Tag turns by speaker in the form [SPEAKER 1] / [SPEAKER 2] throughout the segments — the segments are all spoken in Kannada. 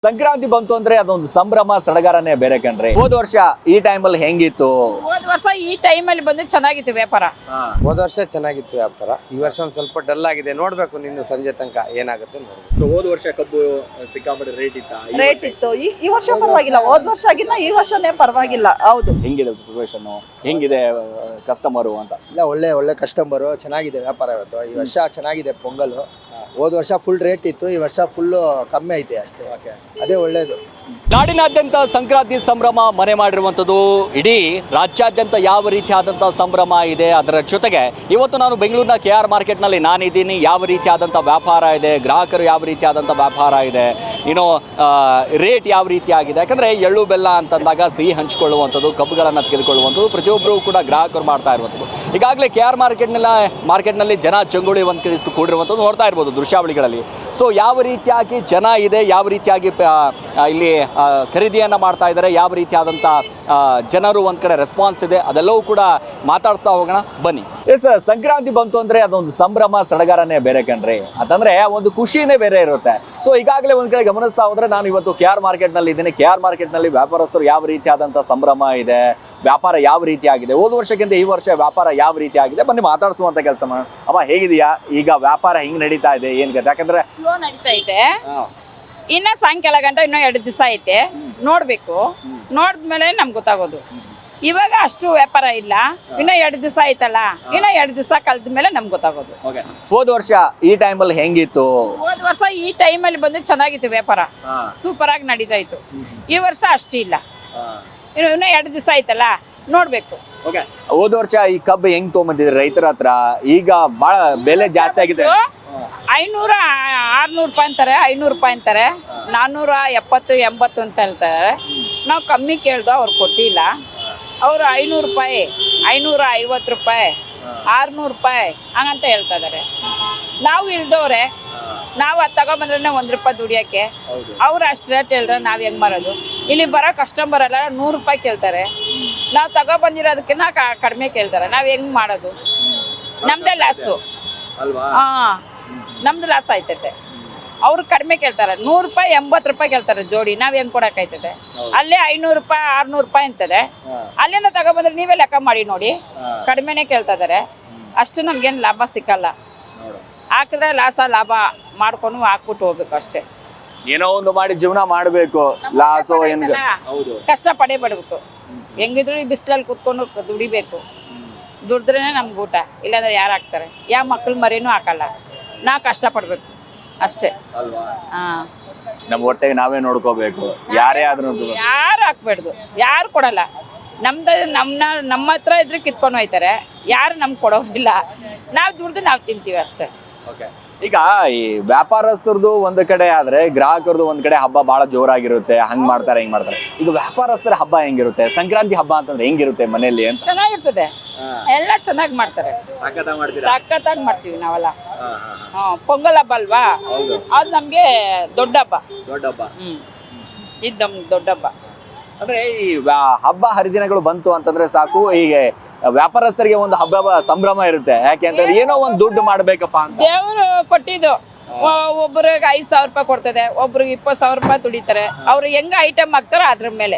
[SPEAKER 1] ಸಂಕ್ರಾಂತಿ ಬಂತು ಅಂದ್ರೆ ಅದೊಂದು ಸಂಭ್ರಮ ಸಡಗರನೇ ಬೇರೆ ಕಣ್ರಿ. ಹೋದ ವರ್ಷ ಈ ಟೈಮಲ್ಲಿ ಹೆಂಗಿತ್ತು?
[SPEAKER 2] ಹೋದ ವರ್ಷ ಈ ಟೈಮಲ್ಲಿ ಬಂದು ಚೆನ್ನಾಗಿತ್ತು ವ್ಯಾಪಾರ.
[SPEAKER 3] ಹೋದ ವರ್ಷ ಚೆನ್ನಾಗಿತ್ತು ವ್ಯಾಪಾರ. ಈ ವರ್ಷ ಒಂದ್ ಸ್ವಲ್ಪ ಡಲ್ ಆಗಿದೆ. ನೋಡ್ಬೇಕು ನಿನ್ನ ಸಂಜೆ ತನಕ ಏನಾಗುತ್ತೆ ನೋಡ್ಬೇಕು.
[SPEAKER 1] ಹೋದ ವರ್ಷ ಕಬ್ಬು ಸಿಕ್ಕಾಪಟ್ಟೆ
[SPEAKER 4] ರೇಟ್ ಇತ್ತು. ಈ ವರ್ಷ ಪರವಾಗಿಲ್ಲ, ಹೋದ ವರ್ಷ ಆಗಿಲ್ಲ, ಈ ವರ್ಷನೇ ಪರವಾಗಿಲ್ಲ. ಹೌದು.
[SPEAKER 1] ಹೆಂಗಿದೆ ಪ್ರಿಪರೇಷನ್, ಹೆಂಗಿದೆ ಕಸ್ಟಮರು ಅಂತ?
[SPEAKER 5] ಇಲ್ಲ, ಒಳ್ಳೆ ಕಸ್ಟಮರು, ಚೆನ್ನಾಗಿದೆ ವ್ಯಾಪಾರ ಇವತ್ತು. ಈ ವರ್ಷ ಚೆನ್ನಾಗಿದೆ ಪೊಂಗಲ್. ಹೋದ ವರ್ಷ ಫುಲ್ ರೇಟ್ ಇತ್ತು, ಈ ವರ್ಷ ಫುಲ್ ಕಮ್ಮಿ ಐತೆ ಅಷ್ಟೇ. ಅದೇ ಒಳ್ಳೇದು.
[SPEAKER 1] ನಾಡಿನಾದ್ಯಂತ ಸಂಕ್ರಾಂತಿ ಸಂಭ್ರಮ ಮನೆ ಮಾಡಿರುವಂಥದ್ದು. ಇಡೀ ರಾಜ್ಯಾದ್ಯಂತ ಯಾವ ರೀತಿಯಾದಂಥ ಸಂಭ್ರಮ ಇದೆ, ಅದರ ಜೊತೆಗೆ ಇವತ್ತು ನಾನು ಬೆಂಗಳೂರಿನ KR ಮಾರ್ಕೆಟ್ನಲ್ಲಿ ನಾನಿದ್ದೀನಿ. ಯಾವ ರೀತಿಯಾದಂಥ ವ್ಯಾಪಾರ ಇದೆ, ಗ್ರಾಹಕರು ಯಾವ ರೀತಿಯಾದಂಥ ವ್ಯಾಪಾರ ಇದೆ, ಇನ್ನು ರೇಟ್ ಯಾವ ರೀತಿಯಾಗಿದೆ. ಯಾಕಂದರೆ ಎಳ್ಳು ಬೆಲ್ಲ ಅಂತಂದಾಗ ಸಿಹಿ ಹಂಚಿಕೊಳ್ಳುವಂಥದ್ದು, ಕಬ್ಬುಗಳನ್ನು ತೆಗೆದುಕೊಳ್ಳುವಂಥದ್ದು ಪ್ರತಿಯೊಬ್ಬರು ಕೂಡ ಗ್ರಾಹಕರು ಮಾಡ್ತಾ ಇರುವಂಥದ್ದು. ಈಗಾಗಲೇ KR ಮಾರ್ಕೆಟ್ನಲ್ಲಿ ಜನ ಚಂಗುಳಿ ಒಂದು ಕಡೆ ಕೂಡಿರುವಂಥದ್ದು ನೋಡ್ತಾ ಇರ್ಬೋದು ದೃಶ್ಯಾವಳಿಗಳಲ್ಲಿ. ಸೊ ಯಾವ ರೀತಿಯಾಗಿ ಜನ ಇದೆ, ಯಾವ ರೀತಿಯಾಗಿ ಇಲ್ಲಿ ಖರೀದಿಯನ್ನು ಮಾಡ್ತಾ ಇದ್ದಾರೆ, ಯಾವ ರೀತಿಯಾದಂಥ ಜನರು ಒಂದು ಕಡೆ ರೆಸ್ಪಾನ್ಸ್ ಇದೆ, ಅದೆಲ್ಲವೂ ಕೂಡ ಮಾತಾಡ್ತಾ ಹೋಗೋಣ ಬನ್ನಿ. ಎಸ್, ಸಂಕ್ರಾಂತಿ ಬಂತು ಅಂದರೆ ಅದೊಂದು ಸಂಭ್ರಮ ಸಡಗರನೇ ಬೇರೆ ಕಣ್ರಿ. ಅಂತಂದರೆ ಒಂದು ಖುಷಿನೇ ಬೇರೆ ಇರುತ್ತೆ. ಸೊ ಈಗಾಗಲೇ ಒಂದು ಕಡೆ ಗಮನಿಸ್ತಾ ಹೋದರೆ ನಾನು ಇವತ್ತು KR ಮಾರ್ಕೆಟ್ನಲ್ಲಿ ಇದ್ದೀನಿ. KR ಮಾರ್ಕೆಟ್ನಲ್ಲಿ ವ್ಯಾಪಾರಸ್ಥರು ಯಾವ ರೀತಿಯಾದಂಥ ಸಂಭ್ರಮ ಇದೆ, ವ್ಯಾಪಾರ ಯಾವ ರೀತಿಯಾಗಿದೆ, ಹೋದ ವರ್ಷಕ್ಕಿಂತ ಈ ವರ್ಷ ವ್ಯಾಪಾರ ಯಾವ ರೀತಿಯಾಗಿದೆ, ಬನ್ನಿ ಮಾತಾಡಿಸುವಂಥ ಕೆಲಸ ಮಾಡೋಣ. ಅಮ್ಮ ಹೇಗಿದೆಯಾ, ಈಗ ವ್ಯಾಪಾರ ಹೆಂಗೆ ನಡೀತಾ ಇದೆ, ಏನು ಗೊತ್ತಾ? ಯಾಕಂದರೆ
[SPEAKER 2] ಸ್ಲೋ ನಡೀತಾ ಇದೆ. ಇನ್ನ ಸಾಯಂಕಾಲ ಗಂಟ ಇನ್ನೂ 2 ದಿವಸ ಐತೆ, ನೋಡ್ಬೇಕು. ನೋಡಿದ್ಮೇಲೆ ನಮ್ಗೆ ಗೊತ್ತಾಗೋದು. ಇವಾಗ ಅಷ್ಟು ವ್ಯಾಪಾರ ಇಲ್ಲ, ಇನ್ನೂ 2 ದಿವಸ ಆಯ್ತಲ್ಲ, ಇನ್ನೂ 2 ದಿವಸ ಕಳೆದ ಮೇಲೆ ನಮ್ಗೆ ಗೊತ್ತಾಗೋದು.
[SPEAKER 1] ಹೋದ ವರ್ಷ ಈ ಟೈಮಲ್ಲಿ ಹೆಂಗಿತ್ತು?
[SPEAKER 2] ಹೋದ ವರ್ಷ ಈ ಟೈಮಲ್ಲಿ ಬಂದು ಚೆನ್ನಾಗಿತ್ತು ವ್ಯಾಪಾರ, ಸೂಪರ್ ಆಗಿ ನಡೀತಾ ಇತ್ತು. ಈ ವರ್ಷ ಅಷ್ಟು ಇಲ್ಲ, ಇನ್ನೂ 2 ದಿವಸ ಆಯ್ತಲ್ಲ, ನೋಡ್ಬೇಕು.
[SPEAKER 1] ಹೋದ ವರ್ಷ ಈ ಕಬ್ಬು ಹೆಂಗ್ ತೊಗೊಂಬಂದಿದ್ರಿ ರೈತರ ಹತ್ರ? ಈಗ ಬಹಳ ಬೆಲೆ ಜಾಸ್ತಿ ಆಗಿದೆ.
[SPEAKER 2] 500 600 ರೂಪಾಯಿ ಅಂತಾರೆ, 500 ರೂಪಾಯಿ ಅಂತಾರೆ, 470 80 ಅಂತ ಹೇಳ್ತಾರೆ. ನಾವು ಕಮ್ಮಿ ಕೇಳ್ದೋ ಅವ್ರು ಕೊಟ್ಟಿಲ್ಲ. ಅವರು 500 ರೂಪಾಯಿ, 550 ರೂಪಾಯಿ, 600 ರೂಪಾಯಿ ಹಂಗಂತ ಹೇಳ್ತಾ ಇದಾರೆ. ನಾವು ಇಳ್ದವ್ರೆ, ನಾವು ಅದು ತಗೊಬಂದ್ರೆ 1 ರೂಪಾಯಿ ದುಡಿಯೋಕ್ಕೆ. ಅವ್ರು ಅಷ್ಟು ರೇಟ್ ಹೇಳಿದ್ರೆ ನಾವು ಹೆಂಗೆ ಮಾರೋದು? ಇಲ್ಲಿ ಬರೋ ಕಸ್ಟಮರ್ ಎಲ್ಲ 100 ರೂಪಾಯಿ ಕೇಳ್ತಾರೆ, ನಾವು ತಗೊಬಂದಿರೋದಕ್ಕಿಂತ ಕಡಿಮೆ ಕೇಳ್ತಾರೆ. ನಾವು ಹೆಂಗೆ ಮಾಡೋದು? ನಮ್ದೇ ಲಾಸು. ಹಾಂ, ನಮ್ದು ಲಾಸ್ ಆಯ್ತೈತೆ. ಅವ್ರು ಕಡಿಮೆ ಕೇಳ್ತಾರೆ, 100 ರೂಪಾಯಿ 80 ರೂಪಾಯಿ ಕೇಳ್ತಾರೆ ಜೋಡಿ. ನಾವು ಹೆಂಗೆ ಕೊಡೋಕ್ಕಾಯ್ತದೆ? ಅಲ್ಲೇ 500 ರೂಪಾಯಿ 600 ರೂಪಾಯಿ ಅಂತದೆ. ಅಲ್ಲಿಂದ ತಗೊಬಂದ್ರೆ ನೀವೇ ಲೆಕ್ಕ ಮಾಡಿ ನೋಡಿ, ಕಡಿಮೆನೇ ಕೇಳ್ತಾ ಇದ್ದಾರೆ. ಅಷ್ಟು ನಮ್ಗೇನು ಲಾಭ ಸಿಕ್ಕಲ್ಲ. ಹಾಕಿದ್ರೆ ಲಾಭ ಮಾಡ್ಕೊಂಡು ಹಾಕ್ಬಿಟ್ಟು ಹೋಗ್ಬೇಕು ಅಷ್ಟೇ.
[SPEAKER 1] ಏನೋ ಒಂದು ಮಾಡಿ ಜೀವನ ಮಾಡಬೇಕು. ಲಾಸೋ ಏನು
[SPEAKER 2] ಕಷ್ಟ ಪಡೇಬಿಡ್ಬೇಕು. ಹೆಂಗಿದ್ರು ಈ ಬಿಸಿಲಲ್ಲಿ ಕೂತ್ಕೊಂಡು ದುಡಿಬೇಕು. ದುಡಿದ್ರೇ ನಮ್ಗೆ ಊಟ, ಇಲ್ಲಾಂದ್ರೆ ಯಾರು ಹಾಕ್ತಾರೆ? ಯಾವ ಮಕ್ಳು ಮರಿನೂ ಹಾಕಲ್ಲ. ನಾವು ಕಷ್ಟಪಡ್ಬೇಕು ಅಷ್ಟೇ. ಹಾಂ,
[SPEAKER 1] ನಮ್ಮ ಹೊಟ್ಟೆಗೆ ನಾವೇ ನೋಡ್ಕೋಬೇಕು. ಯಾರೇ ಆದ್ರೂ
[SPEAKER 2] ಯಾರು ಹಾಕ್ಬೇಡ್ದು, ಯಾರು ಕೊಡಲ್ಲ. ನಮ್ಮ ಹತ್ರ ಇದ್ರೆ ಕಿತ್ಕೊಂಡು ಹೋಯ್ತಾರೆ, ಯಾರು ನಮ್ಗೆ ಕೊಡೋದಿಲ್ಲ. ನಾವು ದುಡ್ದು ನಾವು ತಿಂತೀವಿ ಅಷ್ಟೇ.
[SPEAKER 1] ಈಗ ಈ ವ್ಯಾಪಾರಸ್ಥರದು ಒಂದು ಕಡೆ ಆದ್ರೆ ಗ್ರಾಹಕರದು ಒಂದ್ ಕಡೆ ಹಬ್ಬ ಬಹಳ ಜೋರಾಗಿರುತ್ತೆ. ಹಂಗ್ ಮಾಡ್ತಾರೆ, ಹಿಂಗ್ ಮಾಡ್ತಾರೆ. ಈಗ ವ್ಯಾಪಾರಸ್ಥರ ಹಬ್ಬ ಹೆಂಗಿರುತ್ತೆ? ಸಂಕ್ರಾಂತಿ ಹಬ್ಬ ಅಂತಂದ್ರೆ ಹೆಂಗಿರುತ್ತೆ ಮನೆಯಲ್ಲಿ ಅಂತ?
[SPEAKER 2] ಚೆನ್ನಾಗಿರ್ತದೆ, ಎಲ್ಲ ಚೆನ್ನಾಗಿ ಮಾಡ್ತಾರೆ, ಸಖತ್ತಾಗಿ ಮಾಡ್ತೀವಿ ನಾವೆಲ್ಲ. ಪೊಂಗಲ್ ಹಬ್ಬ ಅಲ್ವಾ, ಅದು ನಮ್ಗೆ ದೊಡ್ಡ ಹಬ್ಬ. ಇದು ನಮ್ಗೆ ದೊಡ್ಡ ಹಬ್ಬ.
[SPEAKER 1] ಅಂದ್ರೆ ಈ ಹಬ್ಬ ಹರಿದಿನಗಳು ಬಂತು ಅಂತಂದ್ರೆ ಸಾಕು, ಈಗ ವ್ಯಾಪಾರಸ್ಥರಿಗೆ ಒಂದು ಹಬ್ಬ ಸಂಭ್ರಮ ಇರುತ್ತೆ. ಯಾಕೆ ಅಂತಂದ್ರೆ ಏನೋ ಒಂದು ದುಡ್ಡು ಮಾಡ್ಬೇಕಪ್ಪ ಅಂತ
[SPEAKER 2] ದೇವರು ಕೊಟ್ಟಿದ್ದು. ಒಬ್ಬರಿಗೆ 5,000 ರೂಪಾಯಿ ಕೊಡ್ತದೆ, ಒಬ್ರಿಗೆ 20,000 ರೂಪಾಯಿ ದುಡಿತಾರೆ. ಅವ್ರು ಹೆಂಗ ಐಟಮ್ ಹಾಕ್ತಾರೋ ಅದ್ರ ಮೇಲೆ.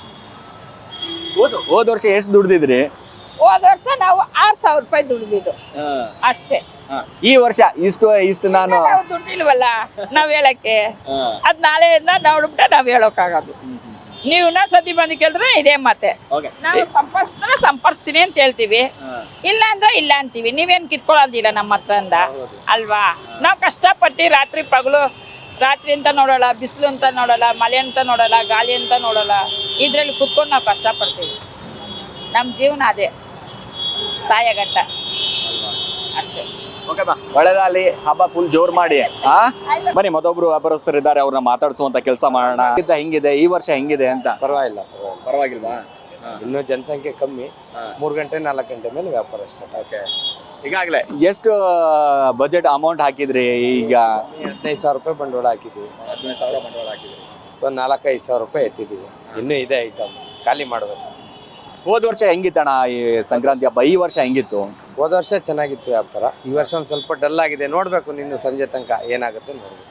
[SPEAKER 1] ಹೋದ ವರ್ಷ ಎಷ್ಟು ದುಡ್ದಿದ್ರಿ?
[SPEAKER 2] ಹೋದ ವರ್ಷ ನಾವು 6,000 ರೂಪಾಯಿ ದುಡಿದಿದ್ದು ಅಷ್ಟೇ.
[SPEAKER 1] ಈ ವರ್ಷ ಇಷ್ಟು ನಾನು
[SPEAKER 2] ದುಡ್ಡಿಲ್ವಲ್ಲ ನಾವ್ ಹೇಳಕ್ಕೆ. ಅದ್ ನಾಳೆಯಿಂದ ನೋಡ್ಬಿಟ್ಟ ನಾವ್ ಹೇಳೋಕ್ಕಾಗೋದು. ನೀವು ಸತಿ ಬಂದು ಕೇಳಿದ್ರೆ ಇದೇ ಮಾತೆ. ನಾವು ಸಂಪರ್ಸ್ತೀನಿ ಅಂತ ಹೇಳ್ತೀವಿ, ಇಲ್ಲ ಅಂದ್ರೆ ಇಲ್ಲ ಅಂತೀವಿ. ನೀವೇನ್ ಕಿತ್ಕೊಳ್ಳೋದಿಲ್ಲ ನಮ್ಮ ಹತ್ರ ಅಂದ ಅಲ್ವಾ? ನಾವು ಕಷ್ಟಪಟ್ಟು ರಾತ್ರಿ ಪಗಲು, ರಾತ್ರಿ ಅಂತ ನೋಡೋಲ್ಲ, ಬಿಸಿಲು ಅಂತ ನೋಡೋಲ್ಲ, ಮಳೆ ಅಂತ ನೋಡೋಲ್ಲ, ಗಾಳಿ ಅಂತ ನೋಡೋಲ್ಲ. ಇದ್ರಲ್ಲಿ ಕುತ್ಕೊಂಡು ನಾವು ಕಷ್ಟಪಡ್ತೀವಿ. ನಮ್ಮ ಜೀವನ ಅದೇ, ಸಾಯ ಗಂಟ ಅಷ್ಟೇ.
[SPEAKER 1] ಒಳ್ಳೆದಾಗಲಿ, ಹಬ್ಬ ಫುಲ್ ಜೋರ್ ಮಾಡಿ. ಬನ್ನಿ, ಮತ್ತೊಬ್ರು ವ್ಯಾಪಾರಸ್ಥರು ಇದ್ದಾರೆ, ಅವ್ರನ್ನ ಮಾತಾಡಿಸುವಂತ ಕೆಲಸ ಮಾಡೋಣ. ಹೆಂಗಿದೆ ಈ ವರ್ಷ, ಹೆಂಗಿದೆ ಅಂತ?
[SPEAKER 3] ಪರವಾಗಿಲ್ವಾ? ಇನ್ನೂ ಜನಸಂಖ್ಯೆ ಕಮ್ಮಿ. 3 ಗಂಟೆ 4 ಗಂಟೆ ಮೇಲೆ ವ್ಯಾಪಾರ ಸ್ಟಾರ್ಟ್.
[SPEAKER 1] ಈಗಾಗಲೇ ಎಷ್ಟು ಬಜೆಟ್ ಅಮೌಂಟ್ ಹಾಕಿದ್ರಿ? ಈಗ
[SPEAKER 3] 15,000 ರೂಪಾಯಿ ಬಂಡವಾಳ ಹಾಕಿದ್ವಿ. ಒಂದು 4-5 ಸಾವಿರ ರೂಪಾಯಿ ಎತ್ತಿದ್ದೀವಿ. ಇನ್ನೂ ಇದೆ ಐಟಮ್, ಖಾಲಿ ಮಾಡಬೇಕು.
[SPEAKER 1] ಹೋದ ವರ್ಷ ಹೆಂಗಿತ್ತಣ್ಣ ಈ ಸಂಕ್ರಾಂತಿ ಹಬ್ಬ? ಈ ವರ್ಷ ಹೆಂಗಿತ್ತು?
[SPEAKER 3] ಹೋದ ವರ್ಷ ಚೆನ್ನಾಗಿತ್ತು ವ್ಯಾಪಾರ. ಈ ವರ್ಷ ಒಂದು ಸ್ವಲ್ಪ ಡಲ್ ಆಗಿದೆ. ನೋಡ್ಬೇಕು ನಿನ್ನ ಸಂಜೆ ತನಕ ಏನಾಗುತ್ತೆ ನೋಡ್ಬೇಕು.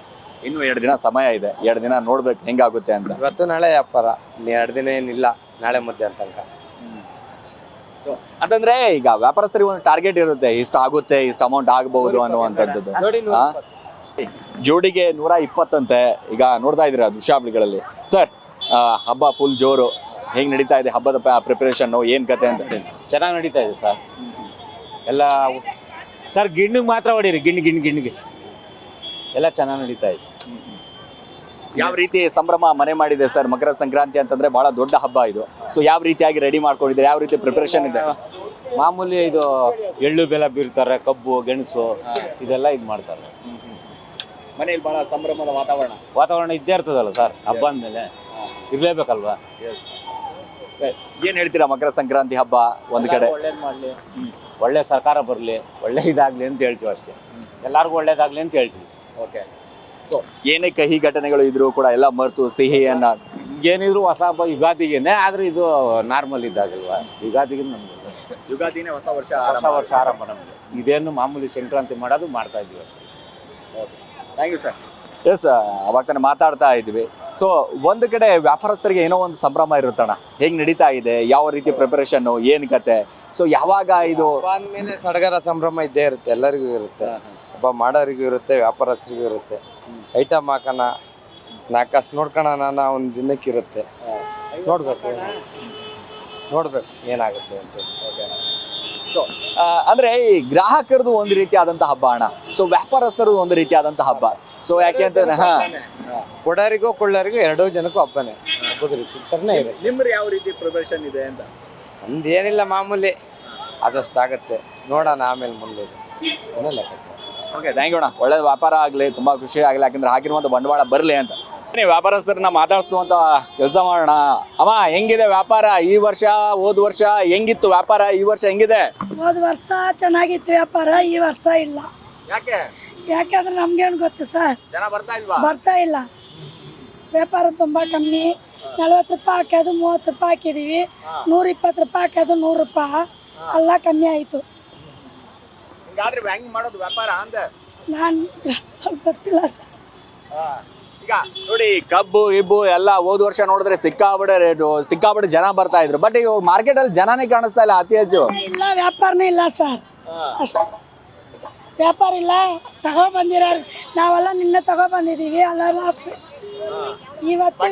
[SPEAKER 1] ಇನ್ನು 2 ದಿನ ಸಮಯ ಇದೆ, 2 ದಿನ ನೋಡ್ಬೇಕು ಹೆಂಗಾಗುತ್ತೆ ಅಂತ.
[SPEAKER 3] ಇವತ್ತು ನಾಳೆ ವ್ಯಾಪಾರ, ಇನ್ನು 2 ದಿನ ಏನಿಲ್ಲ, ನಾಳೆ ಮಧ್ಯಾಹ್ನ ತನಕ.
[SPEAKER 1] ಅಂತಂದ್ರೆ ಈಗ ವ್ಯಾಪಾರಸ್ಥರಿಗೆ ಒಂದು ಟಾರ್ಗೆಟ್ ಇರುತ್ತೆ, ಇಷ್ಟು ಆಗುತ್ತೆ, ಇಷ್ಟು ಅಮೌಂಟ್ ಆಗಬಹುದು ಅನ್ನುವಂಥದ್ದು. ಜೋಡಿಗೆ 120 ಅಂತೆ. ಈಗ ನೋಡ್ತಾ ಇದ್ದೀರಾ ದೃಶ್ಯಾವಳಿಗಳಲ್ಲಿ. ಸರ್, ಹಬ್ಬ ಫುಲ್ ಜೋರು, ಹೆಂಗ್ ನಡೀತಾ ಇದೆ ಹಬ್ಬದ ಪ್ರಿಪರೇಷನ್, ಏನ್ ಕತೆ ಅಂತ?
[SPEAKER 6] ಚೆನ್ನಾಗಿ ನಡೀತಾ ಇದೆ ಸರ್. ಎಲ್ಲ ಸರ್ ಗಿಣ್ಣಿಗೆ ಮಾತ್ರ ಹೊಡೀರಿ, ಗಿಣ್ಣಿಗೆ ಎಲ್ಲ ಚೆನ್ನಾಗಿ ನಡೀತಾ ಇದೆ.
[SPEAKER 1] ಯಾವ ರೀತಿ ಸಂಭ್ರಮ ಮನೆ ಮಾಡಿದೆ ಸರ್? ಮಕರ ಸಂಕ್ರಾಂತಿ ಅಂತಂದ್ರೆ ಬಹಳ ದೊಡ್ಡ ಹಬ್ಬ ಇದು. ಸೊ ಯಾವ ರೀತಿಯಾಗಿ ರೆಡಿ ಮಾಡ್ಕೊಂಡಿದ್ದಾರೆ, ಯಾವ ರೀತಿ ಪ್ರಿಪರೇಷನ್ ಇದೆ?
[SPEAKER 6] ಮಾಮೂಲಿ ಇದು ಎಳ್ಳು ಬೆಲ್ಲ ಬೀರ್ತಾರೆ, ಕಬ್ಬು ಗೆಣಸು ಇದೆಲ್ಲ ಇದು ಮಾಡ್ತಾರೆ.
[SPEAKER 1] ಮನೆಯಲ್ಲಿ ಬಹಳ ಸಂಭ್ರಮದ
[SPEAKER 6] ವಾತಾವರಣ ಇದ್ದೇ ಇರ್ತದಲ್ಲ ಸರ್, ಹಬ್ಬ ಅಂದಮೇಲೆ ಇರ್ಲೇಬೇಕಲ್ವಾ.
[SPEAKER 1] ಏನ್ ಹೇಳ್ತೀರಾ ಮಕರ ಸಂಕ್ರಾಂತಿ ಹಬ್ಬ ಒಂದ್ ಕಡೆ?
[SPEAKER 6] ಒಳ್ಳೇದು ಮಾಡಲಿ, ಒಳ್ಳೆ ಸರ್ಕಾರ ಬರಲಿ, ಒಳ್ಳೆ ಇದಾಗ್ಲಿ ಅಂತ ಹೇಳ್ತೀವಿ ಅಷ್ಟೇ. ಎಲ್ಲರಿಗೂ ಒಳ್ಳೇದಾಗ್ಲಿ ಅಂತ ಹೇಳ್ತೀವಿ.
[SPEAKER 1] ಓಕೆ. ಸೊ ಏನೇ ಕಹಿ ಘಟನೆಗಳು ಇದ್ರು ಕೂಡ ಎಲ್ಲ ಮರೆತು ಸಿಹಿಯನ್ನ,
[SPEAKER 6] ಏನಿದ್ರು ಹೊಸ ಹಬ್ಬ ಯುಗಾದಿಗೇನೆ, ಆದ್ರೆ ಇದು ನಾರ್ಮಲ್ ಇದ್ದಾಗಲ್ವಾ. ಯುಗಾದಿಗೆ ನಮ್ಗೆ
[SPEAKER 1] ಯುಗಾದಿನೇ ಹೊಸ ವರ್ಷ
[SPEAKER 6] ಆರಂಭ ನಮಗೆ. ಇದೇನು ಮಾಮೂಲಿ ಸಂಕ್ರಾಂತಿ ಮಾಡೋದು ಮಾಡ್ತಾ ಇದೀವಿ ಅಷ್ಟೇ.
[SPEAKER 1] Thank you sir. ಎಸ್, ಅವಾಗ ತಾನೇ ಮಾತಾಡ್ತಾ ಇದ್ವಿ. ಸೊ ಒಂದು ಕಡೆ ವ್ಯಾಪಾರಸ್ಥರಿಗೆ ಏನೋ ಒಂದು ಸಂಭ್ರಮ ಇರುತ್ತಣ್ಣ, ಹೇಗೆ ನಡೀತಾ ಇದೆ, ಯಾವ ರೀತಿ ಪ್ರಿಪರೇಷನ್, ಏನು ಕತೆ? ಸೊ ಯಾವಾಗ ಇದು
[SPEAKER 3] ಅಂದಮೇಲೆ ಸಡಗರ ಸಂಭ್ರಮ ಇದ್ದೇ ಇರುತ್ತೆ, ಎಲ್ಲರಿಗೂ ಇರುತ್ತೆ. ಹಬ್ಬ ಮಾಡೋರಿಗೂ ಇರುತ್ತೆ, ವ್ಯಾಪಾರಸ್ಥರಿಗೂ ಇರುತ್ತೆ. ಐಟಮ್ ಹಾಕೋಣ, 4 ಕಾಸು ನೋಡ್ಕೊಳ್ಳೋಣ ಒಂದು ದಿನಕ್ಕೆ ಇರುತ್ತೆ. ನೋಡ್ಬೇಕು ಏನಾಗುತ್ತೆ ಅಂತ.
[SPEAKER 1] ಅಂದ್ರೆ ಈ ಗ್ರಾಹಕರದು ಒಂದು ರೀತಿಯಾದಂತಹ ಹಬ್ಬ ಅಣ್ಣ, ಸೊ ವ್ಯಾಪಾರಸ್ಥರದು ಒಂದು ರೀತಿಯಾದಂತಹ ಹಬ್ಬ. ಸೊ ಯಾಕೆ ಅಂತಂದ್ರೆ
[SPEAKER 3] ಕೊಡೋರಿಗೂ ಕೊಳ್ಳೋರಿಗೂ 2 ಜನಕ್ಕೂ ಹಬ್ಬನೇ, ಹಬ್ಬದ ರೀತಿ ಥರನೇ ಇದೆ.
[SPEAKER 1] ನಿಮ್ದು ಯಾವ ರೀತಿ ಪ್ರಿಪರೇಷನ್ ಇದೆ ಅಂತ?
[SPEAKER 3] ನಮ್ದೇನಿಲ್ಲ, ಮಾಮೂಲಿ ಆದಷ್ಟಾಗತ್ತೆ, ನೋಡೋಣ ಆಮೇಲೆ ಮುಂದೆ ಏನೋ ಲೆಕ್ಕಾಚಾರ.
[SPEAKER 1] ಓಕೆ, ಥ್ಯಾಂಕ್ ಯು ಅಣ್ಣ. ಒಳ್ಳೆ ವ್ಯಾಪಾರ ಆಗಲಿ, ತುಂಬಾ ಖುಷಿ ಆಗಲಿ, ಯಾಕಂದ್ರೆ ಹಾಕಿರುವಂಥ ಬಂಡವಾಳ ಬರಲಿ ಅಂತ. ವ್ಯಾಪಾರಸ್ಥರನ್ನ ಮಾತಾಡಿಸುವಂತ ಕೆಲಸ ಮಾಡೋಣ. ಅಮ್ಮ, ಹೆಂಗಿದೆ ವ್ಯಾಪಾರ ಈ ವರ್ಷ? ಹೋದ ವರ್ಷ ಹೆಂಗಿತ್ತು ವ್ಯಾಪಾರ? ಈ ವರ್ಷ ಹೆಂಗಿದೆ?
[SPEAKER 7] ಹೋದ ವರ್ಷ ಚೆನ್ನಾಗಿತ್ತು ವ್ಯಾಪಾರ, ಈ ವರ್ಷ ಇಲ್ಲ.
[SPEAKER 1] ಯಾಕೆ?
[SPEAKER 7] ಯಾಕಂದ್ರೆ ನಮ್ಗೇನು ಗೊತ್ತು ಸರ್,
[SPEAKER 1] ಜನ ಬರ್ತಾ ಇಲ್ವಾ?
[SPEAKER 7] ಬರ್ತಾ ಇಲ್ಲ. ವ್ಯಾಪಾರ ತುಂಬಾ ಕಮ್ಮಿ. 40 ರೂಪಾಯಿ ಹಾಕೋದು 30 ರೂಪಾಯಿ ಹಾಕಿದೀವಿ, 120 ರೂಪಾಯಿ ಹಾಕೋದು 100 ರೂಪಾಯಿ, ಎಲ್ಲ ಕಮ್ಮಿ ಆಯ್ತು.
[SPEAKER 1] ಹೆಂಗ್ ಮಾಡೋದು ವ್ಯಾಪಾರ ಅಂತ
[SPEAKER 7] ನಾನು ಗೊತ್ತಿಲ್ಲ ಸರ್.
[SPEAKER 1] ಈಗ ನೋಡಿ, ಕಬ್ಬು ಇಬ್ಬು ಎಲ್ಲ ಹೋದ ವರ್ಷ ನೋಡಿದ್ರೆ ಸಿಕ್ಕಾಬಿಡೆ ರೇಟು, ಸಿಕ್ಕಾಬಿಡೆ ಜನ ಬರ್ತಾ ಇದ್ರು. ಬಟ್ ಈಗ ಮಾರ್ಕೆಟ್ ಅಲ್ಲಿ ಜನನೇ ಕಾಣಿಸ್ತಾ ಇಲ್ಲ ಅತಿ ಹೆಚ್ಚು.
[SPEAKER 7] ಇಲ್ಲ, ವ್ಯಾಪಾರನೇ ಇಲ್ಲ ಸರ್, ಅಷ್ಟೇ. ವ್ಯಾಪಾರ ಇಲ್ಲ. ತಗೊಬಂದಿರೋ ನಾವೆಲ್ಲ ನಿನ್ನೆ ತಗೊಬಂದಿದ್ದೀವಿ, ಎಲ್ಲ ಲಾಸ್. ಇವತ್ತು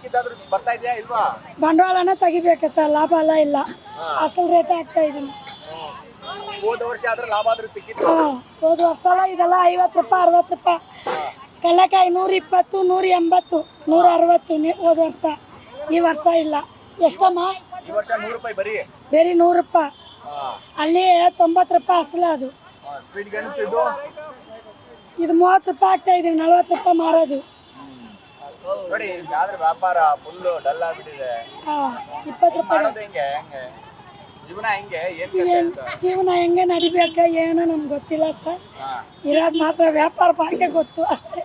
[SPEAKER 7] ಬಂಡವಾಳನ ತೆಗಿಬೇಕು ಸರ್, ಲಾಭ ಎಲ್ಲ ಇಲ್ಲ. ಅಸಲ್ ರೇಟ್ ಹಾಕ್ತಾ ಇದೀನಿ.
[SPEAKER 1] ಹೋದ ವರ್ಷ ಆದ್ರೆ ಲಾಭ ಆದ್ರೂ ಸಿಕ್ಕಿತ್ತು.
[SPEAKER 7] ಹೋದ ವರ್ಷ ಇದೆಲ್ಲ 50 ರೂಪಾಯಿ 60 ರೂಪಾಯಿ. ಕಡಲೆಕಾಯಿ 120 180 160 ಹೋದ ವರ್ಷ. ಈ ವರ್ಷ ಇಲ್ಲ. ಎಷ್ಟಮ್ಮ?
[SPEAKER 1] ಈ ವರ್ಷ 100 ರೂಪಾಯಿ ಬರೀ
[SPEAKER 7] 100 ರೂಪಾಯಿ. ಅಲ್ಲಿ 90 ರೂಪಾಯಿ ಅಸಲು. ಅದು ಇದು 30 ರೂಪಾಯಿ ಆಗ್ತಾ ಇದೀವಿ, 40 ರೂಪಾಯಿ ಮಾರೋದು.
[SPEAKER 1] ನೋಡಿ, ವ್ಯಾಪಾರ ಫುಲ್ ಡಲ್ ಆಗ್ಬಿಟ್ಟಿದೆ.
[SPEAKER 7] 20 ರೂಪಾಯಿ. ಜೀವನ ಹೆಂಗೆ ನಡಿಬೇಕ ಏನೋ ನಮ್ಗೆ ಗೊತ್ತಿಲ್ಲ ಸರ್. ಇರೋದು ಮಾತ್ರ ವ್ಯಾಪಾರ ಬಗ್ಗೆ ಗೊತ್ತು ಅಷ್ಟೇ.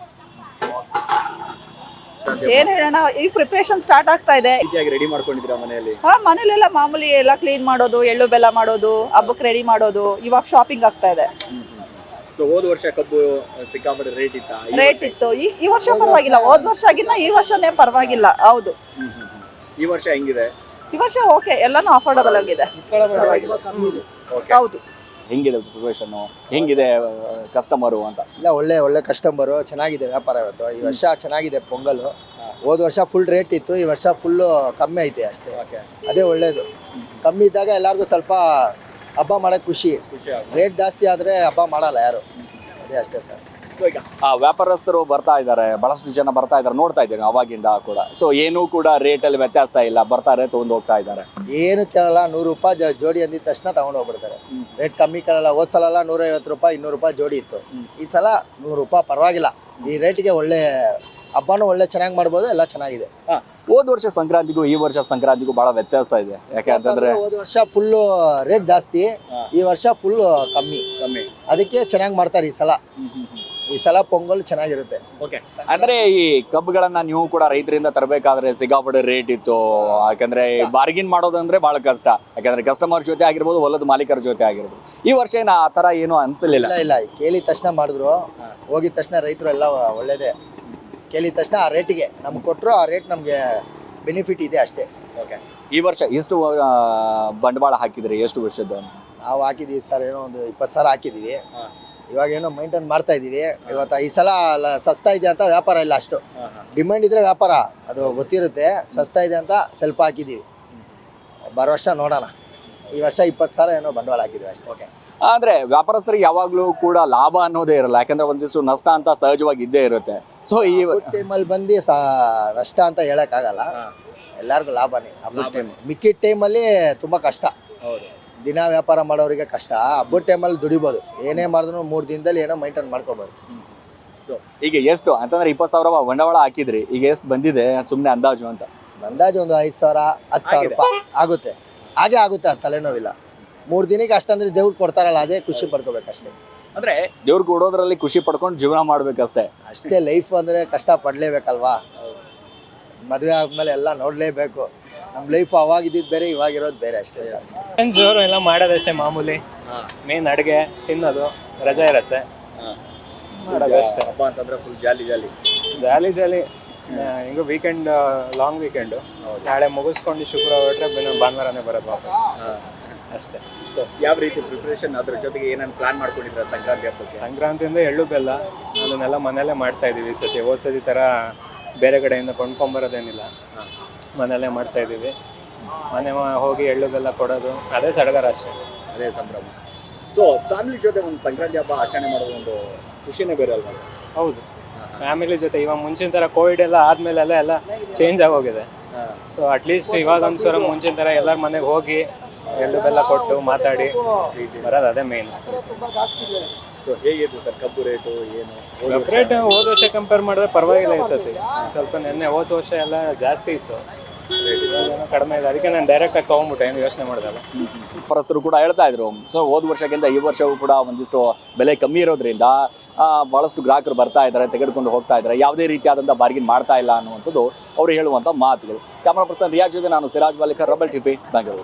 [SPEAKER 4] ಏನ್ ಹೇಳೋಣ, ಈ ಪ್ರಿಪರೇಷನ್ ಸ್ಟಾರ್ಟ್ ಆಗ್ತಾ ಇದೆ.
[SPEAKER 1] ರೆಡಿ ಮಾಡ್ಕೊಂಡಿದ್ದೀರಾ ಮನೆಯಲ್ಲಿ?
[SPEAKER 4] ಮನೇಲೆಲ್ಲ ಮಾಮೂಲಿ ಎಲ್ಲ ಕ್ಲೀನ್ ಮಾಡೋದು, ಎಳ್ಳು ಬೆಲ್ಲ ಮಾಡೋದು, ಹಬ್ಬಕ್ಕೆ ರೆಡಿ ಮಾಡೋದು. ಇವಾಗ ಶಾಪಿಂಗ್ ಆಗ್ತಾ ಇದೆ.
[SPEAKER 1] ಹೋದ ವರ್ಷ ಕಬ್ಬು ಸಿಕ್ಕಾಪಟ್ಟೆ
[SPEAKER 4] ರೇಟ್ ಇತ್ತು. ಈ ವರ್ಷ ಪರವಾಗಿಲ್ಲ, ಹೋದ ವರ್ಷಗಿನ್ನ ಈ ವರ್ಷನೇ ಪರವಾಗಿಲ್ಲ. ಹೌದು.
[SPEAKER 1] ಈ ವರ್ಷ ಹೆಂಗಿದೆ?
[SPEAKER 4] ಈ ವರ್ಷ ಓಕೆ, ಎಲ್ಲಾನು ಅಫೋರ್ಡಬಲ್ ಆಗಿದೆ. ಹೌದು.
[SPEAKER 1] ಹೆಂಗಿದೆ ಪ್ರಿಪರೇಷನ್, ಹೆಂಗಿದೆ ಕಸ್ಟಮರು ಅಂತ?
[SPEAKER 5] ಇಲ್ಲ, ಒಳ್ಳೆ ಕಸ್ಟಮರು, ಚೆನ್ನಾಗಿದೆ ವ್ಯಾಪಾರ ಇವತ್ತು. ಈ ವರ್ಷ ಚೆನ್ನಾಗಿದೆ ಪೊಂಗಲ್. ಹೋದ ವರ್ಷ ಫುಲ್ ರೇಟ್ ಇತ್ತು, ಈ ವರ್ಷ ಫುಲ್ಲು ಕಮ್ಮಿ ಐತೆ ಅಷ್ಟೇ. ಅದೇ ಒಳ್ಳೇದು. ಕಮ್ಮಿ ಇದ್ದಾಗ ಎಲ್ಲರಿಗೂ ಸ್ವಲ್ಪ ಹಬ್ಬ ಮಾಡೋಕ್ಕೆ ಖುಷಿ. ರೇಟ್ ಜಾಸ್ತಿ ಆದರೆ ಹಬ್ಬ ಮಾಡಲ್ಲ ಯಾರು, ಅದೇ ಅಷ್ಟೇ ಸರ್.
[SPEAKER 1] ಈಗ ವ್ಯಾಪಾರಸ್ಥರು ಬರ್ತಾ ಇದ್ದಾರೆ, ಬಹಳಷ್ಟು ಜನ ಬರ್ತಾ ಇದ್ದಾರೆ, ನೋಡ್ತಾ ಇದ್ದೇನೆ ಅವಾಗಿಂದ ಕೂಡ. ಸೊ ಏನೂ ಕೂಡ ರೇಟಲ್ಲಿ ವ್ಯತ್ಯಾಸ ಇಲ್ಲ, ಬರ್ತಾರೆ ತೊಗೊಂಡು ಹೋಗ್ತಾ ಇದ್ದಾರೆ.
[SPEAKER 5] ಏನು ಕೇಳಲ್ಲ, 100 ರೂಪಾಯಿ ಜೋಡಿ ಅಂದಿದ ತಕ್ಷಣ ತಗೊಂಡು ಹೋಗ್ಬಿಡ್ತಾರೆ. ರೇಟ್ ಕಮ್ಮಿ ಕೇಳಲ್ಲ. ಹೋದ ಸಲ 150 ರೂಪಾಯಿ 200 ರೂಪಾಯಿ ಜೋಡಿ ಇತ್ತು. ಈ ಸಲ 100 ರೂಪಾಯಿ ಪರವಾಗಿಲ್ಲ. ಈ ರೇಟಿಗೆ ಒಳ್ಳೆ ಹಬ್ಬನೂ ಒಳ್ಳೆ ಚೆನ್ನಾಗಿ ಮಾಡ್ಬೋದು, ಎಲ್ಲ ಚೆನ್ನಾಗಿದೆ.
[SPEAKER 1] ಹೋದ ವರ್ಷ ಸಂಕ್ರಾಂತಿಗೂ ಈ ವರ್ಷ ಸಂಕ್ರಾಂತಿಗೂ ಬಹಳ ವ್ಯತ್ಯಾಸ ಇದೆ. ಯಾಕೆ ಅಂತಂದ್ರೆ
[SPEAKER 5] ಹೋದ ವರ್ಷ ಫುಲ್ಲು ರೇಟ್ ಜಾಸ್ತಿ, ಈ ವರ್ಷ ಫುಲ್ ಕಮ್ಮಿ. ಅದಕ್ಕೆ ಚೆನ್ನಾಗಿ ಮಾಡ್ತಾರೆ ಈ ಸಲ. ಈ ಸಲ ಪೊಂಗಲ್ ಚೆನ್ನಾಗಿರುತ್ತೆ.
[SPEAKER 1] ಅಂದ್ರೆ ಈ ಕಬ್ಬುಗಳನ್ನ ನೀವು ಕೂಡ ರೈತರಿಂದ ತರಬೇಕಾದ್ರೆ ಸಿಕ್ಕಾಪಟ್ಟೆ ರೇಟ್ ಇತ್ತು. ಯಾಕಂದ್ರೆ ಬಾರ್ಗಿನ್ ಮಾಡೋದಂದ್ರೆ ಬಹಳ ಕಷ್ಟ. ಯಾಕಂದ್ರೆ ಕಸ್ಟಮರ್ ಜೊತೆ ಆಗಿರ್ಬೋದು, ಹೊಲದ ಮಾಲೀಕರ ಜೊತೆ ಆಗಿರ್ಬೋದು. ಈ ವರ್ಷ ಏನು ಆ ತರ ಏನು ಅನ್ಸಲಿಲ್ಲ.
[SPEAKER 5] ಇಲ್ಲ, ಕೇಳಿದ ತಕ್ಷಣ ಮಾಡಿದ್ರು, ಹೋಗಿದ ತಕ್ಷಣ ರೈತರು ಎಲ್ಲ ಒಳ್ಳೇದೇ. ಕೇಳಿದ ತಕ್ಷಣ ಆ ರೇಟಿಗೆ ನಮ್ಗೆ ಕೊಟ್ಟರು ಆ ರೇಟ್ ನಮಗೆ ಬೆನಿಫಿಟ್ ಇದೆ ಅಷ್ಟೇ.
[SPEAKER 1] ಓಕೆ. ಈ ವರ್ಷ ಎಷ್ಟು ಬಂಡವಾಳ ಹಾಕಿದ್ರಿ, ಎಷ್ಟು ವರ್ಷದ?
[SPEAKER 5] ನಾವು ಹಾಕಿದ್ದೀವಿ ಸರ್ ಏನೋ ಒಂದು 20 ಸಾವಿರ ಹಾಕಿದ್ದೀವಿ. ಇವಾಗ ಏನೋ ಮೈಂಟೈನ್ ಮಾಡ್ತಾ ಇದ್ದೀವಿ. ಇವತ್ತು ಈ ಸಲ ಸಸ್ತಾ ಇದೆ ಅಂತ ವ್ಯಾಪಾರ ಇಲ್ಲ, ಅಷ್ಟು ಡಿಮ್ಯಾಂಡ್ ಇದ್ರೆ ವ್ಯಾಪಾರ ಅದು ಗೊತ್ತಿರುತ್ತೆ. ಸಸ್ತಾ ಇದೆ ಅಂತ ಸ್ವಲ್ಪ ಹಾಕಿದ್ದೀವಿ. ಬರೋ ವರ್ಷ ನೋಡೋಣ. ಈ ವರ್ಷ 20 ಸಾವಿರ ಏನೋ ಬಂಡವಾಳ ಹಾಕಿದ್ದೀವಿ ಅಷ್ಟೇ.
[SPEAKER 1] ಅಂದ್ರೆ ವ್ಯಾಪಾರಸ್ಥರಿಗೆ ಯಾವಾಗಲೂ ಕೂಡ ಲಾಭ ಅನ್ನೋದೇ ಇರಲ್ಲ, ಯಾಕಂದ್ರೆ ಒಂದಿಷ್ಟು ನಷ್ಟ ಅಂತ ಸಹಜವಾಗಿ ಇದ್ದೇ ಇರುತ್ತೆ. ಸೊ ಈ
[SPEAKER 5] ಟೈಮಲ್ಲಿ ಬಂದು ನಷ್ಟ ಅಂತ ಹೇಳೋಕ್ಕಾಗಲ್ಲ, ಎಲ್ಲರಿಗೂ ಲಾಭನೇ ಹಬ್ಬದ ಟೈಮ್. ಮಿಕ್ಕಿದ ಟೈಮಲ್ಲಿ ತುಂಬ ಕಷ್ಟ. ದಿನ ವ್ಯಾಪಾರ ಮಾಡೋರಿಗೆ ಕಷ್ಟ. ಹಬ್ಬದ ಟೈಮಲ್ಲಿ ದುಡಿಬೋದು, ಏನೇ ಮಾಡಿದ್ರು 3 ದಿನದಲ್ಲಿ ಏನೋ ಮೈಂಟೈನ್ ಮಾಡ್ಕೋಬೋದು.
[SPEAKER 1] ಈಗ ಎಷ್ಟು ಅಂತಂದ್ರೆ 20 ಸಾವಿರ ಬಂಡವಾಳ ಹಾಕಿದ್ರಿ, ಈಗ ಎಷ್ಟು ಬಂದಿದೆ ಸುಮ್ಮನೆ ಅಂದಾಜು ಅಂತ?
[SPEAKER 5] ಅಂದಾಜು ಒಂದು 5 ಸಾವಿರ 10 ಸಾವಿರ ರೂಪಾಯಿ ಆಗುತ್ತೆ. ಹಾಗೆ ಆಗುತ್ತೆ, ಅದು ತಲೆನೋವಿಲ್ಲ. 3 ದಿನಕ್ಕೆ ಅಷ್ಟಂದ್ರೆ ದೇವ್ರು ಕೊಡ್ತಾರಲ್ಲ, ಅದೇ ಖುಷಿ ಪಡ್ಕೋಬೇಕಷ್ಟೇ.
[SPEAKER 1] ಅಂದ್ರೆ ದೇವ್ರು ಕೊಡೋದ್ರಲ್ಲಿ ಖುಷಿ ಪಡ್ಕೊಂಡು ಜೀವನ ಮಾಡ್ಬೇಕಷ್ಟೇ.
[SPEAKER 5] ಅಷ್ಟೇ ಲೈಫ್ ಅಂದರೆ ಕಷ್ಟ ಪಡಲೇಬೇಕಲ್ವಾ. ಮದುವೆ ಆದ್ಮೇಲೆ ಎಲ್ಲ ನೋಡಲೇಬೇಕು. ನಮ್ಮ ಲೈಫ್ ಅವಾಗಿದ್ದು ಬೇರೆ, ಇವಾಗಿರೋದು ಬೇರೆ ಅಷ್ಟೇ ಸರ್.
[SPEAKER 8] ಜೋರು ಎಲ್ಲ ಮಾಡೋದಷ್ಟೇ ಮಾಮೂಲಿ. ಮೇನ್ ಅಡುಗೆ ತಿನ್ನೋದು, ರಜೆ ಇರುತ್ತೆ ಮಾಡೋದಷ್ಟೇ.
[SPEAKER 1] ಹಬ್ಬ ಅಂತಂದ್ರೆ ಫುಲ್ ಜಾಲಿ
[SPEAKER 8] ಜಾಲಿ ಹಿಂಗೂ ವೀಕೆಂಡ್, ಲಾಂಗ್ ವೀಕೆಂಡು. ನಾಳೆ ಮುಗಿಸ್ಕೊಂಡು ಶುಕ್ರವಾರ ಹೊರಟ್ರೆ ಭಾನುವಾರನೇ ಬರೋದು ವಾಪಸ್ ಅಷ್ಟೇ.
[SPEAKER 1] ಯಾವ ರೀತಿ ಪ್ರಿಪ್ರೇಷನ್, ಅದ್ರ ಜೊತೆಗೆ ಏನೇನು ಪ್ಲಾನ್ ಮಾಡ್ಕೊಂಡಿದ್ರ ಸಂಕ್ರಾಂತಿ ಹಬ್ಬಕ್ಕೆ?
[SPEAKER 8] ಸಂಕ್ರಾಂತಿಯಿಂದ ಎಳ್ಳು ಬೆಲ್ಲ ಅದನ್ನೆಲ್ಲ ಮನೆಯಲ್ಲೇ ಮಾಡ್ತಾ ಇದೀವಿ. ಸತಿ ಹೋದ್ಸತಿ ಥರ ಬೇರೆ ಕಡೆಯಿಂದ ಕೊಂಡ್ಕೊಂಬರೋದೇನಿಲ್ಲ, ಮನೆಯಲ್ಲೇ ಮಾಡ್ತಾ ಇದ್ದೀವಿ. ಮನೆ ಹೋಗಿ ಎಳ್ಳು ಬೆಲ್ಲ ಕೊಡೋದು, ಅದೇ ಸಡಗರ ಅಷ್ಟೇ,
[SPEAKER 1] ಅದೇ ಸಂಭ್ರಮ. ಸೊ ಫ್ಯಾಮಿಲಿ ಜೊತೆ ಒಂದು ಸಂಕ್ರಾಂತಿ ಹಬ್ಬ ಆಚರಣೆ ಮಾಡೋದು ಒಂದು ಖುಷಿನೇ ಬೇರೆ ಅಲ್ವಾ?
[SPEAKER 8] ಹೌದು, ಫ್ಯಾಮಿಲಿ ಜೊತೆ. ಇವಾಗ ಮುಂಚಿನ ಥರ ಕೋವಿಡ್ ಎಲ್ಲ ಆದಮೇಲೆಲ್ಲ ಎಲ್ಲ ಚೇಂಜ್ ಆಗೋಗಿದೆ. ಸೊ ಅಟ್ಲೀಸ್ಟ್ ಇವಾಗ ಒಂದ್ಸಲ ಮುಂಚಿನ ಥರ ಎಲ್ಲರ ಮನೆಗೆ ಹೋಗಿ ಎಳ್ಳು ಬೆಲ್ಲ ಕೊಟ್ಟು ಮಾತಾಡಿ ಬರೋದು, ಅದೇ ಮೇನ್.
[SPEAKER 1] ಹೇಗಿತ್ತು ಸರ್ ಕಬ್ಬು ರೇಟು ಏನು?
[SPEAKER 8] ರೇಟ್ ಹೋದ ವರ್ಷ ಕಂಪೇರ್ ಮಾಡಿದ್ರೆ ಪರವಾಗಿಲ್ಲ ಈ ಸತಿ. ಸ್ವಲ್ಪ ನೆನ್ನೆ ಹೋದ ವರ್ಷ ಎಲ್ಲ ಜಾಸ್ತಿ ಇತ್ತು, ಕಡಿಮೆ ಇದೆ. ಅದಕ್ಕೆ ನಾನು ಡೈರೆಕ್ಟಾಗಿ ತೊಗೊಂಡ್ಬಿಟ್ಟೆ, ಏನು ಯೋಚನೆ ಮಾಡಿದಲ್ಲ.
[SPEAKER 1] ವ್ಯಾಪಾರಸ್ಥರು ಕೂಡ ಹೇಳ್ತಾ ಇದ್ರು, ಸೊ ಹೋದ ವರ್ಷಕ್ಕಿಂತ ಈ ವರ್ಷವೂ ಕೂಡ ಒಂದಿಷ್ಟು ಬೆಲೆ ಕಮ್ಮಿ ಇರೋದ್ರಿಂದ ಭಾಳಷ್ಟು ಗ್ರಾಹಕರು ಬರ್ತಾ ಇದ್ದಾರೆ, ತೆಗೆದುಕೊಂಡು ಹೋಗ್ತಾ ಇದ್ದಾರೆ, ಯಾವುದೇ ರೀತಿಯಾದಂಥ ಬಾರ್ಗಿನ್ ಮಾಡ್ತಾ ಇಲ್ಲ ಅನ್ನುವಂಥದ್ದು ಅವರು ಹೇಳುವಂಥ ಮಾತುಗಳು. ಕ್ಯಾಮರಾ ಪರ್ಸನ್ ರಿಯಾಜ್ ಜೊತೆ ನಾನು ಸಿರಾಜ್ ವಾಲಿಕರ್, ರಬಲ್ ಟಿವಿ, ಬೆಂಗಳೂರು.